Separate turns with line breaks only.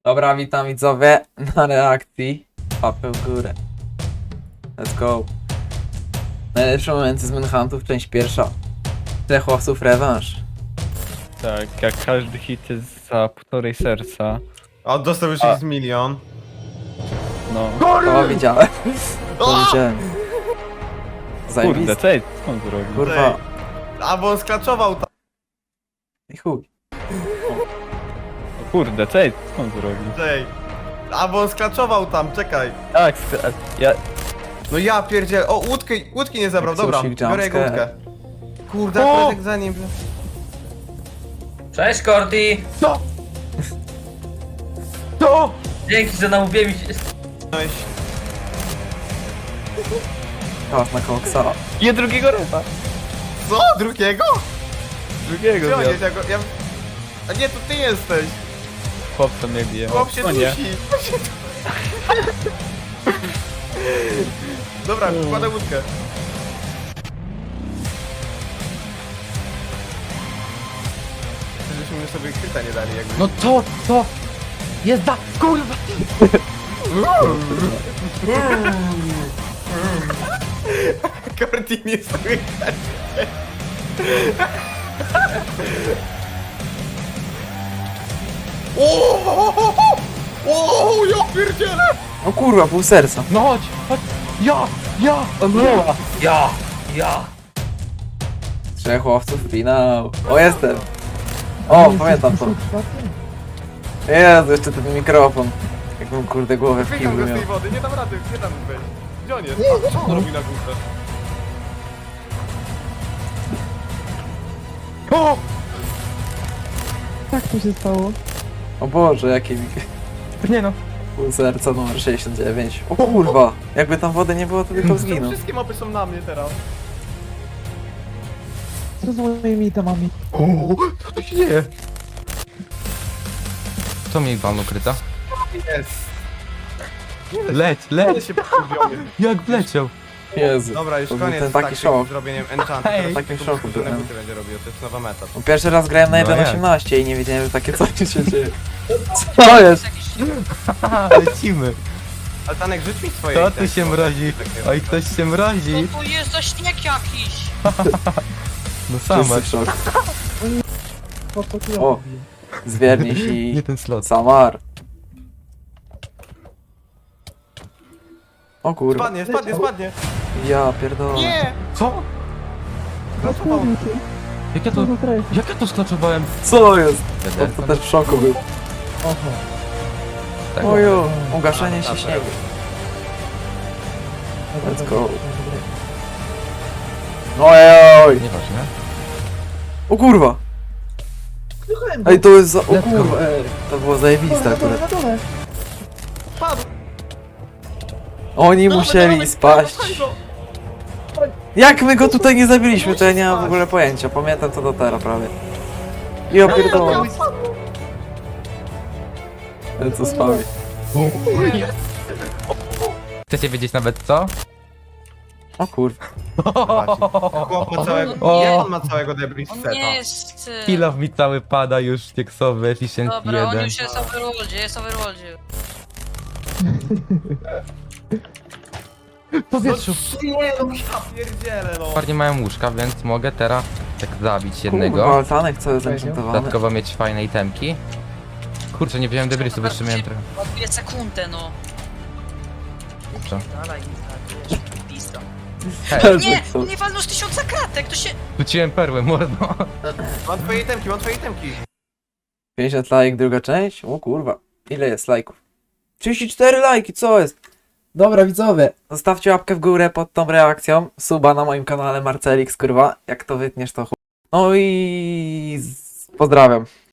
Dobra, witam widzowie na reakcji. Łapę w górę. Let's go. Najlepsze momenty z Manhuntów, część pierwsza. Trzech łowców rewanż.
Tak, jak każdy hit jest za półtorej serca.
O, dostał już jest milion.
No.
O, widziałem. To widziałem.
Kurde,
Zajebiste.
co jest? Co on zrobił?
Kurwa.
A bo on sklaczował tam.
I chuj.
Kurde, co jest? Co on zrobił?
Ej. A bo on sklaczował tam, czekaj.
Tak, ja...
No ja pierdziel. O, łódki nie zabrał, dobra.
Sushi,
Biorę jego
jumpscare.
łódkę. Kurde, akurat jak za nim.
Cześć Cordy!
Co? Co?
Dzięki, że namówiłem się.
Weź.
Kałasz na koksa.
Je drugiego ryba!
Co? Drugiego?
Drugiego
Gdzie on jest?
zjadł.
Ja... A nie, to ty jesteś.
Chłopca mnie bije.
Chłop się
O nie.
dusi. Dobra, wkładam łódkę. Żebyśmy sobie kryta nie dali jakby.
No co? Jezda! Kurwa!
Cordy nie słychać. O, ja pierdzielę!
O kurwa, pół serca.
No chodź! Ja! Odmroła!
Ja!
Trzech łowców, finał. O, jestem. O, pamiętam to. Jezu, jeszcze ten mikrofon. Jakbym kurde głowę w
Wyjechał
kiblu
go z
miał.
tej wody, nie dam rady, nie dam wejść. Gdzie on jest? A, co on robi na górze?
O!
Tak to się stało.
O Boże, jakie mi...
Nie no.
Pół serca numer 69. O kurwa, jakby tam wody nie było, to tylko
Czemu
zginął.
wszystkie mapy są na mnie teraz?
Co z moimi itemami?
Co tu się dzieje?
Co mi pan ukryta?
Jest.
Leć!
Ale się pogubiony.
Jak wleciał?
Jezu.
Dobra, już
To był
koniec
ten
z
taki
takim
szok.
zrobieniem enchantu.
Hej.
Teraz
Takim
tylko
szoku
skrócone
byłem.
buty będzie robił, to jest nowa meta.
Bo pierwszy raz grałem na
No
1.18 i nie wiedziałem, że takie coś się dzieje. Co jest?
Haha, lecimy!
Altanek, rzuć mi swoje
Kto tu
itemki.
się mrozi? Oj, ktoś się mrozi!
Tu jest za śnieg jakiś!
No sama.
Wszyscy w szoku.
Podskoczyłem.
O. Zwierniś
Nie
i...
ten slot.
Samar. O kurwa.
Spadnie.
Ja pierdolę.
Nie!
Co?
Sklaczował.
Jak ja to... Jak ja to sklaczowałem?
Co jest? To też w szoku był.
Oho.
Tak.
Ojo, ugaszenie się śniegu. Let's go. Ojoj.
Nieważne.
O kurwa.
Słuchałem go.
Ej, to jest za... O
Let's go.
kurwa, to było zajebiste
Na dole,
akurat.
na dole.
Padł.
Oni musieli spaść. Jak my go tutaj nie zabiliśmy, to ja nie mam w ogóle pojęcia. Pamiętam to do teraz prawie. Ja pierdolę. Co spawi.
Chcecie wiedzieć nawet co?
O kurwa.
Chłop ma całego...
O.
Jak on ma całego debris
On
seta?
nie jest...
Kilof mi cały pada już teksowy, efficient
Dobra, on
1.
już jest overworldzie, jest overworldzie.
W powietrzu.
Nie, no ja pierdzielę, no.
Parnie mają łóżka, więc mogę teraz tak zabić
Kurwa,
jednego.
altanek cały zenchantowany.
Dodatkowo mieć fajne itemki. Kurczę, nie wziąłem debrisu, bo jeszcze miałem trochę.
Ładuje sekundę, no.
Co?
Dalej, wiesz, pizda.
Hej,
Nie! On nie walnął z 1000 kratek, to się...
rzuciłem perłę, mordo.
Mam twoje itemki, mam twoje itemki.
50 lajk, druga część? O kurwa. Ile jest lajków? 34 lajki, co jest? Dobra widzowie, zostawcie łapkę w górę pod tą reakcją. Suba na moim kanale Marcelix, kurwa. Jak to wytniesz to chuj. No i... Pozdrawiam.